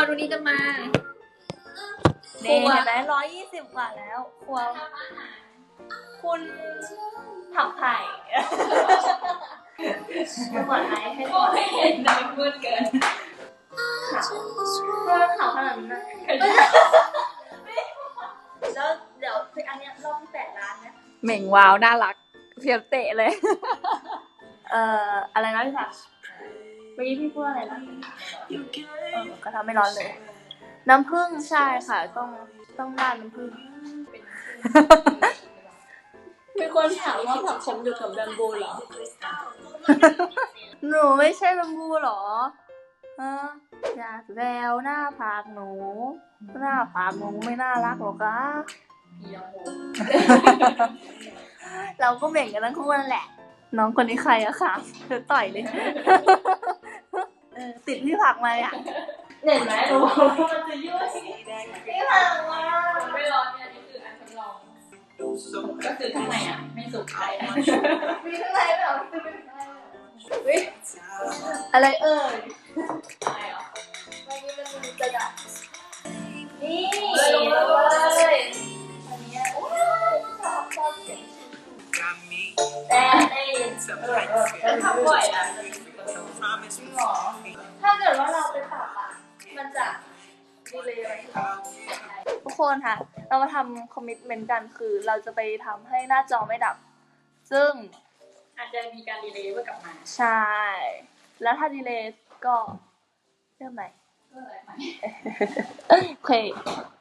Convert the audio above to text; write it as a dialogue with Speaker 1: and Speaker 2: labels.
Speaker 1: คนวันนี้จะมา
Speaker 2: เห็นไหม120 กว่าแล้วครัวคุณผักไผ่ไม่ก่อนไหมให้ก่อน
Speaker 1: ไม่เห็นนะมืดเกิน
Speaker 2: ข่าวขนาดนั้นนะแล้วเดี๋ยวอันเนี้ยรอบที่8 ล้านเนี่ย
Speaker 1: เหม่งว้าวน่ารักเพียบเตะเลย
Speaker 2: อะไรนะพี่ผักเมื่อกี้พี่พูดอะไรนะก็ทำไม่ร้อนเลยน้ำผึ้งใช่ค่ะต้องราดน้ำผึ้ง
Speaker 1: มีคนถามว่าผักขมอยู่กับแบมบูเหรอ
Speaker 2: หนูไม่ใช่แบมบูหรออยากแววหน้าผากหนูไม่น่ารักหรอกะเราก็เบ่งกันทั้งคู่นั่นแหละน้องคนนี้ใครอะคะเธอต่อยเลยติดพี่ผักมาอ่ะเห็นไหมรู้ว่ามันจะยุ่ยพี่ผักมา
Speaker 1: ไม่ร้อนเนี่ยนี่คืออันทดลองก็คือข้างในอ่ะไม่สุกใจนะ
Speaker 2: มีข้างในเหรออะไร
Speaker 1: อะไรอ่ะ
Speaker 2: วันนี้มันมีกระดาษนี่
Speaker 1: เลย
Speaker 2: อันนี้ชอบเสียงแต่
Speaker 1: ทำบ่อยอ่ะ
Speaker 2: ถ้าเกิดว่าเราไปปรับอ่ะมันจะดีเลยไหมทุกคนค่ะเรามาทำคอมมิตเมนต์กันคือเราจะไปทำให้หน้าจอไม่ดับซึ่ง
Speaker 1: อาจจะมีการดีเลย์เพื่อกลับมา
Speaker 2: ใช่แล้วถ้าดีเลย์ก็เริ่มใหม่โอเค